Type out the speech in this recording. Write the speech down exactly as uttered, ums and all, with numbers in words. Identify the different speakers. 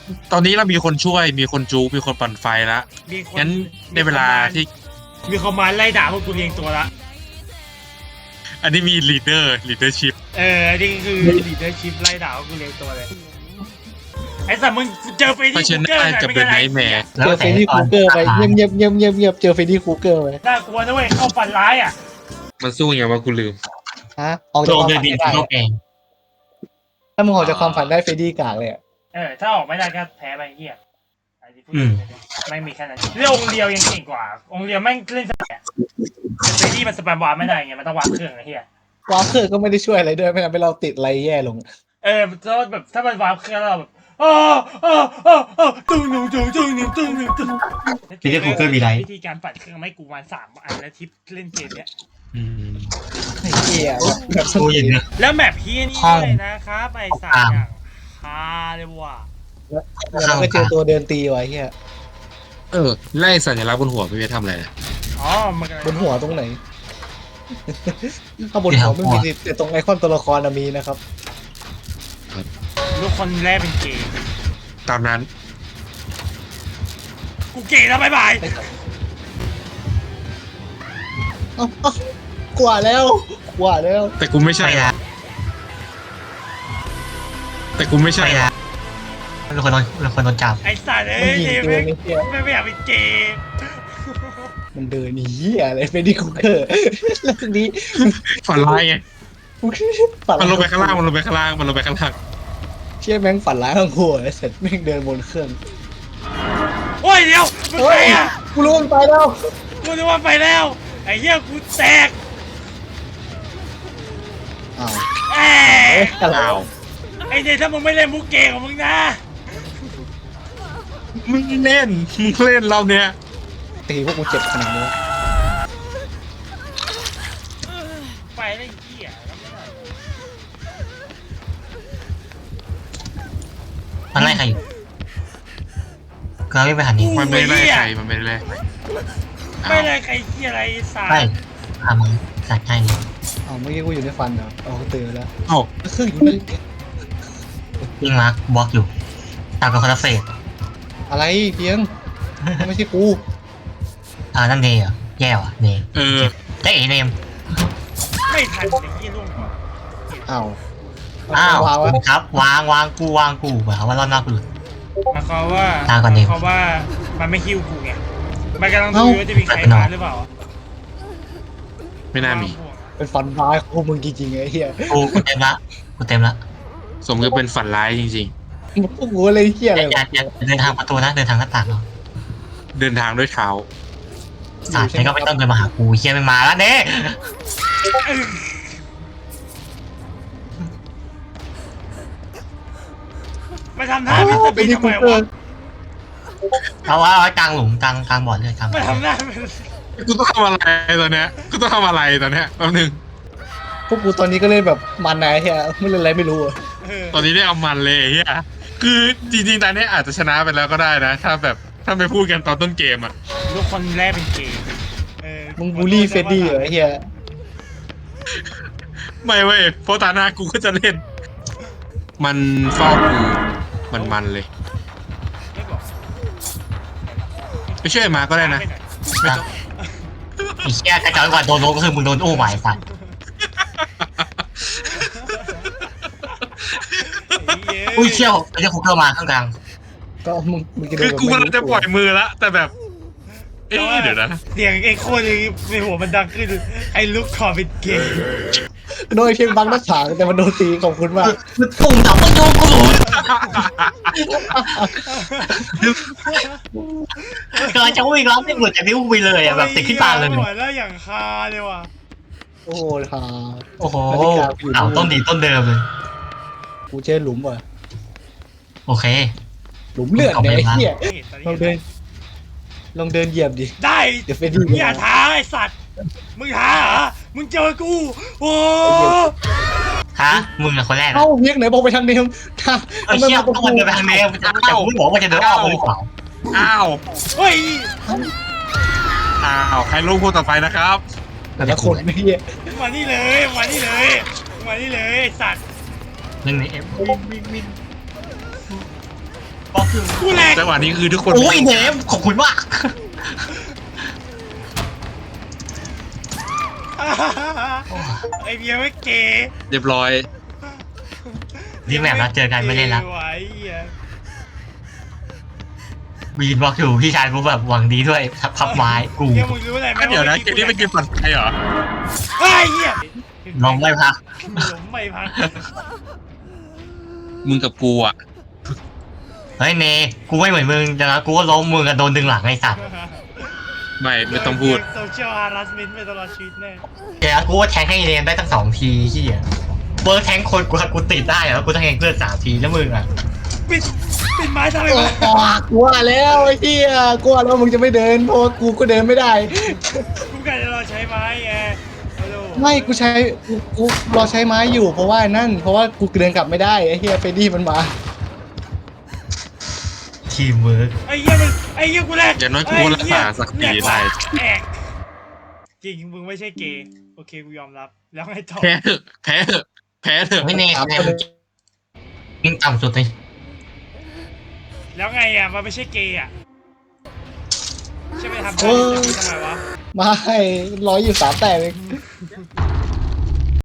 Speaker 1: ตอนนี้เรามีคนช่วยมีคนจูมีคนปั่นไฟแล้ว
Speaker 2: มีคน
Speaker 1: งั้นในเวลาที่
Speaker 2: มีคอมมานด์ไล่ด่าพวกกูเรียงตัวละ
Speaker 1: อันนี้มีลีดเดอร์ลีดเดอร์ชิพ
Speaker 2: เออนี่คือลีดเดอร์ชิพไล่ด่าพวกกูเรียงตัวเลยไอ้สัตว์มึงเจอเฟรดดี้คูเกอร์หน่อยไม่กันไร
Speaker 3: เจอเฟรดดี้คูเกอร์ไปเงียบเงียบเงียบเงียบเงียบเจอเฟรดดี้คูเกอร์ไป
Speaker 2: น่ากลัวนะเว้ยเข้าฝันร้ายอ่ะ
Speaker 1: มันสู้ยังไงวะกูลืม
Speaker 3: ฮะออกจากความฝันได้ถ้ามึงออกจากความฝันได้เฟรดดี้กากเลย
Speaker 2: เออถ้าออกไม่ได้ก็แพ้ไปเหี้ยไม่มีแค่นั้นเรื่ององค์เดียวยังเก่งกว่าองค์เดียวแม่งเล่นสแปมเฟรดดี้มันสแปมวาร์ปไม่ได้ไงมันต้องวาร์ปเครื่องไอ้เหี้ยว
Speaker 3: าร์ปเครื่องก็ไม่ได้ช่วยอะไรด้วยไม่ทำให้เราติดอะไรแย่ลง
Speaker 2: เออถ้าแบบถ้ามันวาร์ปเครื่องเราแบบอ้าวอ้าวอ้าวอ้าวตึ้งหนึ่งตึ้งตึ้งหนึ่งตึ้งหนึ่งตึ้ง
Speaker 4: พี่จะกูเกิลมีไร
Speaker 2: วิธีการปัดเครื่องไม่กูวันสามอันแล้วทิปเล่นเกมเนี้ย
Speaker 3: ไอ้เหี้ยแบบ
Speaker 4: กูอย่างเงี้ย
Speaker 2: แล้วแมปพี่นี่เลยนะครับไอ้สามอย่างฮาเลยว่ะ
Speaker 3: แล้วก็เจอตัวเดินตีไว้เหี้ย
Speaker 1: เออไล่สัญลักษณ์บนหัวพี่เวททำอะไร
Speaker 2: อ๋อมัน
Speaker 3: บนหัวตรงไหนข้างบนหัวไม่มีแต่ตรงไอคอนตัวละครมีนะครับ
Speaker 2: ลูกคนแรกเป็นเกย์
Speaker 1: ตามนั้น
Speaker 2: กูเกย์แล้วบายบาย
Speaker 3: กว่าแล้วกว่าแล้ว
Speaker 1: แต่กูไม่ใช่แต่กูไม่ใช่
Speaker 4: เป็นคนโดนเป็นคนโดนจับ
Speaker 2: ไอ้สัตว์เอ้ยไม่ไม่ไม่อยากเป็นเกย์
Speaker 3: มันเดินเหี้ยอะไรเฟรดดี้คูเกอร์แล้วทีนี้
Speaker 1: ฝันร้ายไงมันลงไปข้างล่างมันลงไปข้างล่างมันลงไปข้างล่าง
Speaker 3: เชี่ยแม่งฝันร้ายทั้งหัวเสร็จแม่งเดินบนเครื่อง
Speaker 2: โอ้ยเดี๋ยวมึงไปอ่ะ
Speaker 3: กูรู้มันไปแล้ว
Speaker 2: กูรู้ว่าไปแล้วไอ้เหี้ยกูแตก
Speaker 3: อ้าว
Speaker 2: เอ๊ะไอ้เดี๋ยวถ้ามึงไม่เล่นมุกเก่งของมึงนะ
Speaker 1: มึงเล่นมึงเล่นเราเนี้ย
Speaker 3: ตีพวกกูเจ็บขนาดนี้
Speaker 2: ไปได้เหี้ย
Speaker 4: มันไล่ใครอยู่ก็ไม่ไปหันนี้
Speaker 1: มันไม่ไล่ใครมันไม่ไล่
Speaker 2: ไม่ไล่ใครเหี้ยอะไรสาย
Speaker 4: ไม่ทำมึงสัตว์ให้นี่
Speaker 3: อ๋อเมื่อกี้กูอยู่ในฟันเหรออ๋อตื่นแล้ว
Speaker 1: อ๋อ
Speaker 3: เครื่องอยู่ใน
Speaker 4: ยิงมาร์คบล็อกอยู่ตามกับคอนเฟส
Speaker 3: อะไรเพียงไม่ใช่กู
Speaker 4: อ่านั่นเนยเหรอแย่ว่ะเนย
Speaker 1: เออ
Speaker 4: ได้เอเนม
Speaker 2: ไม่ทันไอ้ยี่ลุ่ง
Speaker 3: อ้าว
Speaker 4: อ้าวครับวางวางกูวางกูแบบว่ารอบนอกกูหลุด
Speaker 2: มาเขาว่า
Speaker 4: ทางก่อนเนม
Speaker 2: เขาว่ามันไม่ฮิวกูไงมันกำลังดูว่าจะมีใครมาหรือเปล่า
Speaker 1: ไม่น่ามี
Speaker 3: เป็นฝันร้ายของมึงจริงๆไอ้เหี้ย
Speaker 4: กูกูเต็มละกูเต็มละ
Speaker 1: สมกับเป็นฝันร้ายจริง
Speaker 3: ๆพวกกูอะไรเหี้ยอะไร
Speaker 4: อย่าอย่าเดินทางประตูนะเดินทางหน้าต่างเหรอ
Speaker 1: เดินทางด้วยเท้า
Speaker 4: สาดนี่ก็ไม่ต้องเดินมาหากูเฮียไม่มาแล้วเน่
Speaker 2: มาทำท่าเป็นทำไมวะ
Speaker 4: เอาว่าเอาไว้กลางหลุมกลางกลางบ่อเลยกลาง
Speaker 2: มาทำหน้า
Speaker 1: กูต้องทำอะไรตอนเนี้ยกูต้องทำอะไรตอนเนี้ยแป๊บนึง
Speaker 3: พวกกูตอนนี้ก็เล่นแบบมันนายเฮียไม่เล่นอะไรไม่รู้
Speaker 1: ตอนนี้ได้เอามันเลยเฮียคือจริงๆตอนนี้อาจจะชนะไปแล้วก็ได้นะถ้าแบบถ้าไม่พูดกันตอนต้นเกมอ่ะ
Speaker 2: ลูกคนแรกเป็นเกม
Speaker 3: มึงบูลลี่เฟรดดี้เหรอเฮีย
Speaker 1: ไม่เว้ยเพราะตาหน้ากูก็จะเล่นมันเฝ้ากูมันมันเลยไปช่วยมาก็ได้นะ
Speaker 4: ไอ้เชี่ยกระจายกว่าโดนโดนก็คือมึงโดนโอ้หมายสัตว์อุ้ยเชี่ยวไอ้เจ้าคุกเข้ามาข้างกลาง
Speaker 3: ก็มึง
Speaker 1: คือกูกำลังจะปล่อยมือละแต่แบบเอ๊ะเดี๋ยวนะ
Speaker 2: เสียงไอ้โคตรในหัวมันดังขึ้นไอ้ลูกคอเป็นเกย์
Speaker 3: โดยเพียงบังหน้าฉากแต่มันโดนตีขอบคุณมาก
Speaker 4: ปุ่มดับมันโยนกูกำลังจะวิ่งแล้วไม่หลุดจากนิ้วไปเลยอ่ะแบบติดขึ้นตาเลย
Speaker 2: แล้วอย่างคาเลยว่ะ
Speaker 3: โอ้โหฮา
Speaker 4: โอ้โหเอาต้นดีต้นเดิมเลย
Speaker 3: กูเจอหลุมว่ะ
Speaker 4: โอเค
Speaker 3: หลุมเลือดเนี่ยไอ้เหี้ยลองเดินลองเดินเหยียบดิ
Speaker 2: ได้เดี๋ยวเฟรดดี้อย่าท้าไอ้สัตว์มึงท้าเหรอมึงเจอกูโอ้
Speaker 4: ฮะมึงเป็นคนแรก
Speaker 3: เอ้าเรียกไหนบอกไปทางเดิม
Speaker 4: ถ้าไอ้เชี่ยต้องมันเดินไปทางเดิมจะจะมึงบอกว่าจะเดินออกหรือเปล่า
Speaker 1: อ้าว
Speaker 2: เฮ้ย
Speaker 1: อ้าวใครลงคนต่อไปนะครับ
Speaker 3: แต่ละคนไม่เหี้ย
Speaker 2: มานี่เลยมานี่เลยมานี่เลยไอ้สัตว์
Speaker 4: หนึ่งในเอฟ
Speaker 2: วิ่งวิ่งวิ่ง
Speaker 4: บล็อกคือ
Speaker 2: กูแหลก
Speaker 1: จังหวะนี้คือทุกคน
Speaker 4: โอ้ยเนมขอบคุณมาก
Speaker 2: ไอเบียร์ไม่เก๋
Speaker 1: เรียบร้อย
Speaker 4: รีบแมปแล้วเจอกันไม่เล่นละ
Speaker 2: ไหวเหี้ย
Speaker 4: วีนบล็อกอยู่พี่ชายกูแบบหวังดีด้วยพับไม้กู
Speaker 2: เหี้ยมึงรู้อะไรไหม
Speaker 1: เดี๋ยวนะเกมนี้เป็นเกมปั่นไฟเหรอ
Speaker 2: ไอ้เหี้ย
Speaker 4: ลองไม่พัก
Speaker 2: ล้มไม่พัก
Speaker 1: มึงกับกูอ่ะ
Speaker 4: เฮ้ยเนกูไม่เหมือนมึงแต่นะกูก็ล้มมึงกับโดนดึงหลังไอ้สัตว์
Speaker 1: ไม่ไม่ต้องพูด
Speaker 2: โซเชียลฮาร์สเมนต์ไปตลอดชีวิตแน่
Speaker 4: แกกูว่าแทงให้เนมได้ตั้งสองทีที่อ่ะเบิร์ดแทงคนกูกูติดได้แล้วกูต้องแทงเพื่อนสามทีแล้วมึงอ่ะ
Speaker 2: ปิดปิดไม้ทำไม
Speaker 3: โอ้
Speaker 2: วะ
Speaker 3: กลัวแล้วไอ้เหี้ยกลัวแล้วมึงจะไม่เดินเพราะว่ากูก็เดินไม่ได้
Speaker 2: กูกะจะรอใช้ไม้ไงฮัลโหล
Speaker 3: ไม่กูใช้กูกูรอใช้ไม้อยู่เพราะว่านั่น เพราะว่ากูเดินกลับไม่ได้ไอ้เหี้ยเฟรดดี้มันมา
Speaker 4: ทีมเวิร์ก
Speaker 2: ไอ้เหี้ยมันไอ้เหี้ยกูแหลก
Speaker 1: อย่างน้อยกูรักษาศักดิ์ศรีได้
Speaker 2: แอกจริงมึงไม่ใช่เกย์โอเคกูยอมรับ แล้วไงต่อ
Speaker 1: แพ้เถอะแพ้เถอะแพ้เถอะ
Speaker 4: ไม่เนมเนมยิงต่ำสุดเลย
Speaker 2: แล้วไงอ่ะมันไม่ใช่เกย์อ่ะใช่ไหมทำ
Speaker 3: เอ
Speaker 2: ได้
Speaker 3: อ
Speaker 2: ทำไมวะ
Speaker 3: ไม่ร้อยอยู่สามแต้มเอง
Speaker 2: ไ